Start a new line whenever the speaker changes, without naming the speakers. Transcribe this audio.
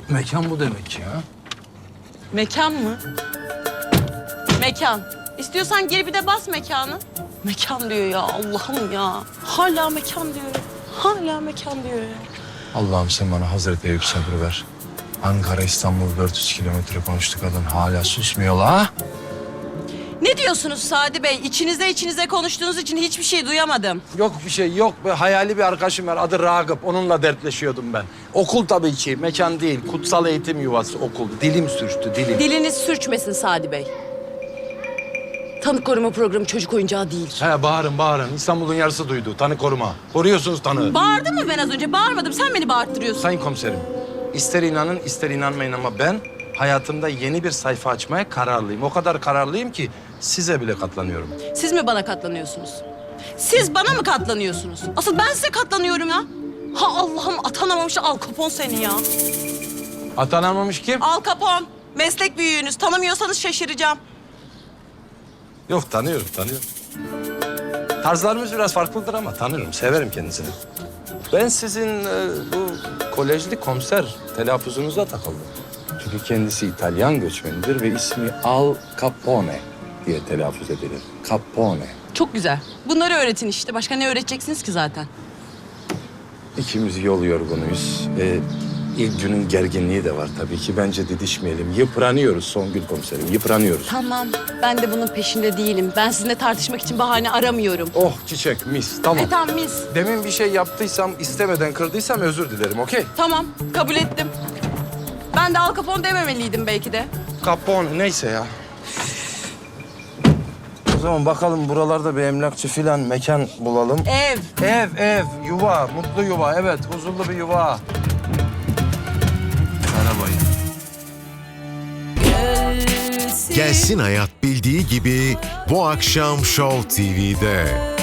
Mekan bu demek ya.
Mekan mı? Mekan. İstiyorsan geri bir de bas mekanı. Mekan diyor ya, Allah'ım ya. Hala mekan diyor. Hala mekan diyor ya.
Allah'ım sen bana Hazreti Eyüp sabrı ver. Ankara, İstanbul 400 kilometre konuştuk, kadın hala susmuyor la.
Ne diyorsunuz Sadi Bey? İçinize konuştuğunuz için hiçbir şey duyamadım.
Yok bir şey yok. Hayali bir arkadaşım var, adı Ragıp. Onunla dertleşiyordum ben. Okul tabii ki, mekan değil. Kutsal eğitim yuvası okul. Dilim sürçtü, dilim.
Diliniz sürçmesin Sadi Bey. Tanık koruma programı çocuk oyuncağı değil.
He bağırın. İstanbul'un yarısı duydu. Tanı koruma. Koruyorsunuz tanığı.
Bağırdım mı ben az önce? Bağırmadım. Sen beni bağırttırıyorsun.
Sayın komiserim, ister inanın ister inanmayın ama ben hayatımda yeni bir sayfa açmaya kararlıyım. O kadar kararlıyım ki size bile katlanıyorum.
Siz mi bana katlanıyorsunuz? Siz bana mı katlanıyorsunuz? Asıl ben size katlanıyorum ya. Ha Allah'ım, atanamamış Al Capone seni ya.
Atanamamış kim?
Al Capone. Meslek büyüğünüz. Tanımıyorsanız şaşıracağım.
Yok tanıyorum. Tarzlarımız biraz farklıdır ama tanırım, severim kendisini. Ben sizin bu kolejli komiser telaffuzunuza takıldım. Çünkü kendisi İtalyan göçmenidir ve ismi Al Capone diye telaffuz edilir. Capone.
Çok güzel. Bunları öğretin işte. Başka ne öğreteceksiniz ki zaten?
İkimiz yol yorgunuyuz. İlk günün gerginliği de var tabii ki. Bence didişmeyelim. Yıpranıyoruz Songül komiserim, yıpranıyoruz.
Tamam. Ben de bunun peşinde değilim. Ben sizinle tartışmak için bahane aramıyorum.
Oh çiçek, mis. Tamam.
Tamam mis.
Demin bir şey yaptıysam, istemeden kırdıysam özür dilerim, okey?
Tamam. Kabul ettim. Ben de Al Capone dememeliydim belki de.
Capone neyse ya. O zaman bakalım buralarda bir emlakçı filan mekan bulalım. Ev, yuva, mutlu yuva. Evet, huzurlu bir yuva. Merhaba.
Gelsin Hayat bildiği gibi bu akşam Show TV'de.